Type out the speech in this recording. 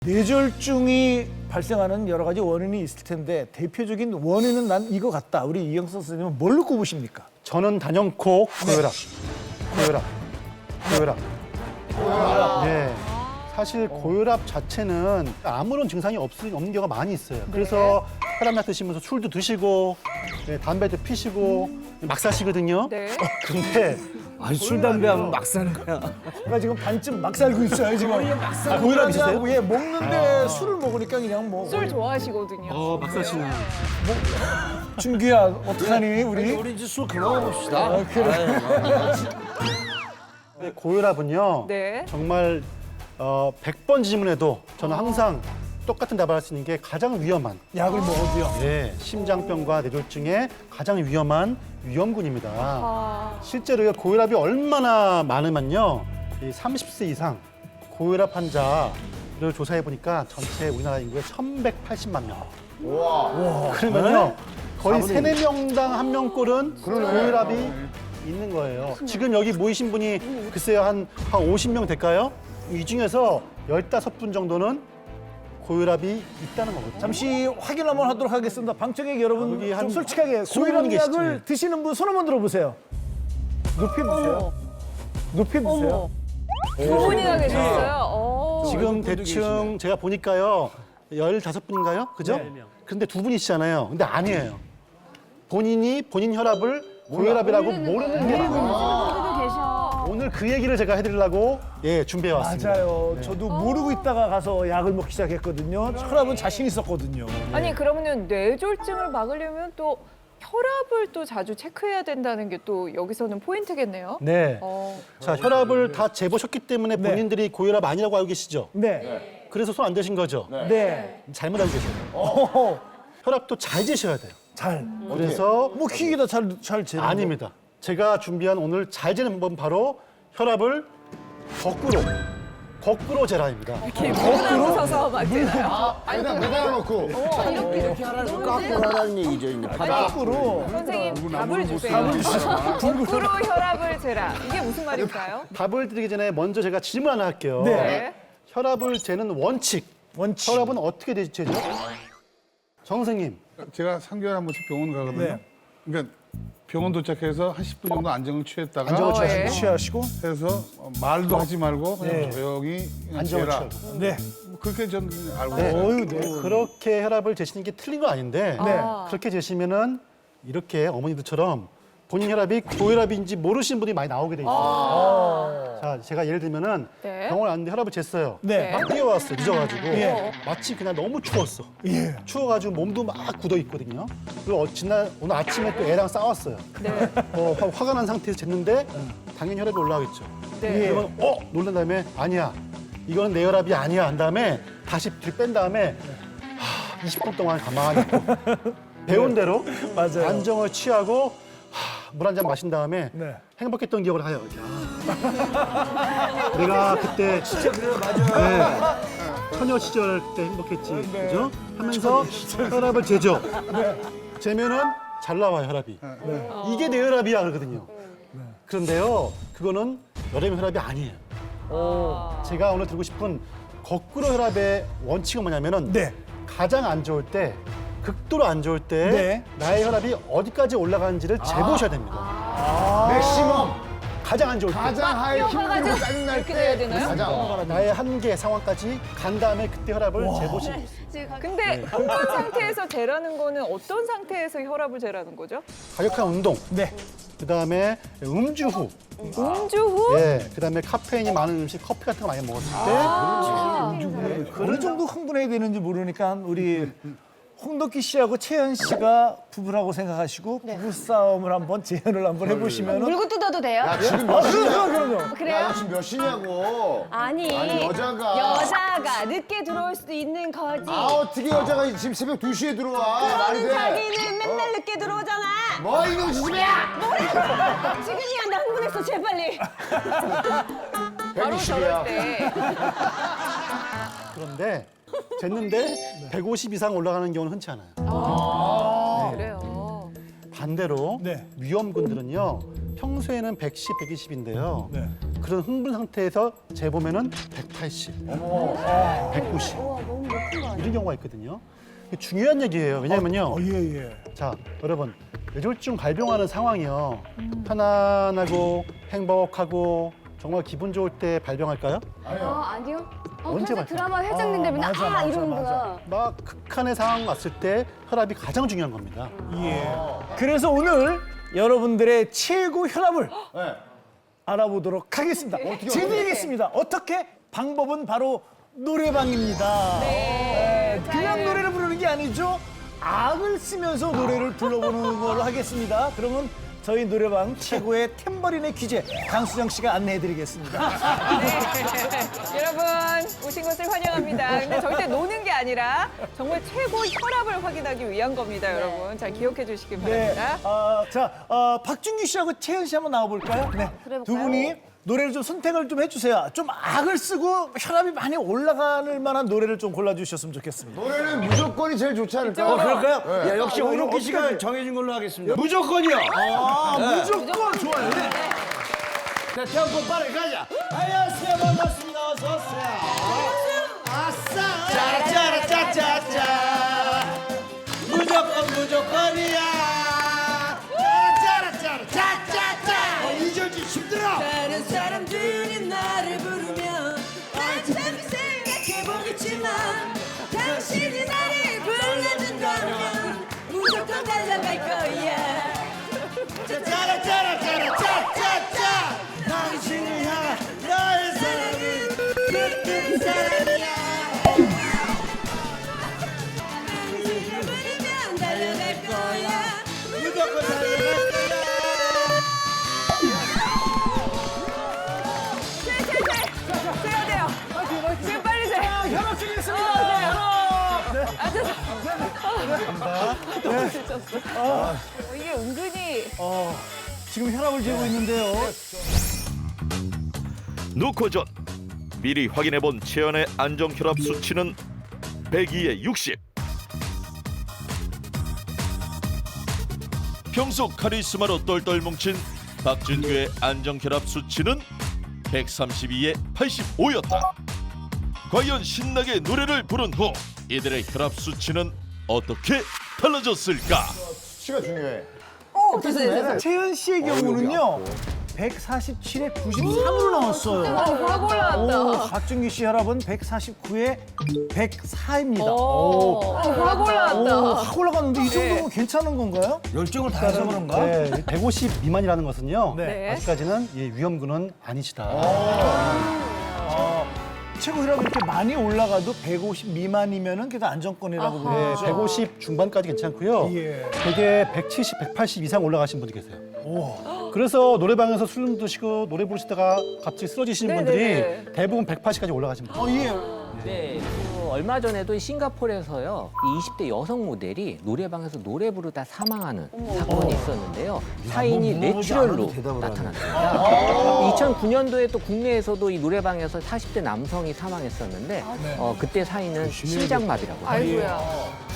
뇌졸중이 발생하는 여러 가지 원인이 있을 텐데 대표적인 원인은 난 이거 같다. 우리 이영석 선생님은 뭘로 꼽으십니까? 저는 단연코 고혈압. 고혈압. 네. 사실 고혈압 자체는 아무런 증상이 없는 경우가 많이 있어요. 그래서 혈압약 드시면서 술도 드시고 담배도 피시고 막 사시거든요. 네. 근데 아니 술 담배하면 막 사는 거야. 제가 지금 반쯤 막 살고 있어요. 지금 고혈압 있으세요? 예, 먹는데 술을 먹으니까 그냥 뭐 술 좋아하시거든요. 막 사시는. 준규야 어떡하니 우리? 우리 이제 술 그만 봅시다. 근데 고혈압은요. 네. 정말 100번 질문해도 저는 항상 똑같은 답을 할 수 있는 게 가장 위험한 약을 먹어도요. 심장병과 뇌졸중의 가장 위험한 위험군입니다. 아, 실제로 고혈압이 얼마나 많으면요. 이 30세 이상 고혈압 환자를 조사해 보니까 전체 우리나라 인구의 1,180만 명. 그러면요. 거의 3, 4명당 1명꼴은 고혈압이 있는 거예요. 지금 여기 모이신 분이 글쎄요 한 50명 될까요? 이 중에서 15분 정도는 고혈압이 있다는 거거든요. 잠시 확인 한번 하도록 하겠습니다. 방청객 여러분 여기 좀 한 솔직하게 20분 고혈압 계시죠? 약을 드시는 분 손 한번 들어보세요. 높이 드세요. 높이 드세요. 두 분이나 계셨어요. 지금 대충 제가 보니까요 15분인가요? 그죠? 근데 두 분이시잖아요. 근데 아니에요. 본인 혈압을 고혈압이라고 모르는 게 많아요. 오늘 그 얘기를 제가 해드리려고 준비해 왔습니다. 맞아요. 저도 모르고 있다가 가서 약을 먹기 시작했거든요. 혈압은 자신 있었거든요. 아니 그러면은 뇌졸중을 막으려면 또 혈압을 또 자주 체크해야 된다는 게 또 여기서는 포인트겠네요. 네. 자, 혈압을 다 재보셨기 때문에 네. 본인들이 고혈압 아니라고 알고 계시죠? 네. 그래서 손 안 대신 거죠? 네. 잘못 알고 계세요. 어허. 혈압도 잘 재셔야 돼요. 잘. 그래서 뭐 킥이다 잘 재는 아닙니다. 제가 준비한 오늘 잘 재는 방법은 바로 혈압을 거꾸로 재라입니다. 거꾸로 서서 막 되나요? 매달아놓고 이렇게 하라는 깎고 하라는 얘기죠. 이제 거꾸로. 선생님 답을 주세요. 거꾸로 혈압을 재라. 이게 무슨 말일까요? 답을 드리기 전에 먼저 제가 질문 하나 할게요. 네. 네. 혈압을 재는 원칙. 혈압은 어떻게 재죠? 정 선생님. 제가 3개월에 한 번씩 병원 가거든요. 네. 그러니까 병원 도착해서 한 10분 정도 안정을 취했다가 안정을 예. 취하시고. 해서 말도 하지 말고 그냥 네. 조용히 그냥 안정을 재라. 취하고. 네. 그렇게 저는 그냥 알고 네. 있어요. 어휴, 네. 그렇게 혈압을 재시는 게 틀린 건 아닌데 네. 그렇게 재시면은 이렇게 어머니들처럼 본인 혈압이 고혈압인지 모르시는 분이 많이 나오게 돼 있어요. 자, 제가 예를 들면은 네. 병원 왔는데 혈압을 쟀어요. 네. 막 뛰어왔어, 늦어가지고. 예. 마치 그날 너무 추웠어. 예. 추워가지고 몸도 막 굳어 있거든요. 그리고 오늘 아침에 또 애랑 싸웠어요. 네. 화가 난 상태에서 쟀는데 당연히 혈압이 올라가겠죠. 네. 그러면 놀란 다음에 아니야. 이거는 내 혈압이 아니야. 한 다음에 다시 뒤 뺀 다음에 20분 동안 가만히 있고 배운 대로 맞아요. 안정을 취하고 물 한 잔 마신 다음에 네. 행복했던 기억을 해요. 야, 내가 그때 진짜 그래요, 맞아. 처녀 시절 그때 행복했지, 그죠? 하면서 혈압을 재죠. 재면은 잘 나와요 혈압이. 이게 내 혈압이야 그러거든요. 그런데요, 그거는 여름의 혈압이 아니에요. 제가 오늘 드리고 싶은 거꾸로 혈압의 원칙은 뭐냐면은 네. 가장 안 좋을 때. 극도로 안 좋을 때 네. 나의 혈압이 어디까지 올라가는지를 재보셔야 됩니다. 맥시멈 가장 안 좋을 때 가장 하이 힘들고 짜증날 이렇게 돼야 때 되나요? 가장 나의 한계 상황까지 간 다음에 그때 혈압을 재보시면 있습니다. 근데 어떤 상태에서 재라는 거는 어떤 상태에서 혈압을 재라는 거죠? 과격한 운동, 네. 그다음에 음주 후, 음주 후? 그다음에 카페인이 많은 음식, 커피 같은 거 많이 먹었을 때 어느 정도 흥분해야 되는지 모르니까 우리 홍덕기 씨하고 채연 씨가 부부라고 생각하시고 부부싸움을 한번 재현을 한번 해보시면은 물고 뜯어도 돼요? 야 지금 몇 시냐? 그럼요. 그래요? 야 지금 몇 시냐고. 아니, 여자가 늦게 들어올 수도 있는 거지. 아 어떻게 여자가 지금 새벽 2시에 들어와? 말이 그러는 돼. 자기는 맨날 늦게 들어오잖아. 뭐 이놈 지집이야? 지금이야, 나 흥분했어, 재빨리. 바로 저럴 때. 그런데 쟀는데 150 이상 올라가는 경우는 흔치 않아요. 그래요. 반대로 네. 위험군들은요 평소에는 110, 120인데요. 네. 그런 흥분 상태에서 재보면은 180, 190 이런 경우가 있거든요. 이게 중요한 얘기예요. 왜냐면요. 예. 자, 여러분 뇌졸중 발병하는 상황이요. 편안하고 행복하고 정말 기분 좋을 때 발병할까요? 아니요. 언제 평소 발표? 드라마 회장님 되면 맞아, 이러는구나. 막 극한의 상황 왔을 때 혈압이 가장 중요한 겁니다. 예. 그래서 오늘 여러분들의 최고 혈압을 알아보도록 하겠습니다. 재미있겠습니다. 어떻게? 방법은 바로 노래방입니다. 네, 그냥 노래를 부르는 게 아니죠. 악을 쓰면서 노래를 불러보는 걸로 하겠습니다. 그러면 저희 노래방 최고의 탬버린의 귀재 강수정 씨가 안내해드리겠습니다. 여러분 오신 것을 환영합니다. 근데 절대 노는 게 아니라 정말 최고 혈압을 확인하기 위한 겁니다, 여러분. 잘 기억해 주시기 네, 바랍니다. 박준규 씨하고 채연 씨 한번 나와볼까요? 네, 그래볼까요? 두 분이 노래를 좀 선택을 좀 해주세요. 좀 악을 쓰고 혈압이 많이 올라가는 만한 노래를 좀 골라주셨으면 좋겠습니다. 노래는 무조건이 제일 좋지 않을까요? 그럴까요? 야, 역시 오로키 씨가 어떡하지? 정해준 걸로 하겠습니다. 무조건이요. 무조건 좋아요. 네. 자, 템포 빠르게 가자. 안녕하세요, 반갑습니다. 어서 오세요. 아싸. 짜라짜라짜짜짜. 무조건이야. 짜라짜라짜짜짜. 이절지 힘들어. 다른 사람들이 나를 부르면 난 참 생각해보겠지만 당신이 나를 불러준다면 무조건 달려갈 거야. 짜라짜라짜라짜짜짜. 당신을 향한 나의 사랑은 그때 사랑이야. 당신을 부르면 달려갈 거야. 무조건 달려갈 거야. 세야 돼요. 지금 빨리 세. 혈압 중이겠습니다. 이게 은근히 지금 혈압을 재고 있는데요. 놓고전 미리 확인해본 채연의 안정혈압 수치는 102에 60. 평소 카리스마로 똘똘 뭉친 박준규의 안정혈압 수치는 132에 85였다. 과연 신나게 노래를 부른 후 이들의 혈압 수치는 어떻게 달라졌을까? 수치가 중요해. 채연 씨의 경우는요. 147에 93으로 나왔어요. 확 올라왔다. 박준규 씨 혈압은 149에 104입니다. 확 올라왔다. 확 올라갔는데 이 정도면 괜찮은 건가요? 열정을 다해서 그런가? 네, 150 미만이라는 것은요. 네. 아직까지는 위험군은 아니시다. 최고 혈압이 이렇게 많이 올라가도 150 미만이면은 그래도 안정권이라고 네, 보는 150 중반까지 괜찮고요. 예. 되게 170, 180 이상 올라가신 분도 계세요. 그래서 노래방에서 술 드시고 노래 부르시다가 갑자기 쓰러지시는 네네네. 분들이 대부분 180까지 올라가신 분들. 예. 네, 얼마 전에도 싱가포르에서요, 이 20대 여성 모델이 노래방에서 노래 부르다 사망하는 사건이 있었는데요. 사인이 뇌출혈로 나타났습니다. 2009년도에 또 국내에서도 이 노래방에서 40대 남성이 사망했었는데, 그때 사인은 심장마비라고 합니다. 아이고야.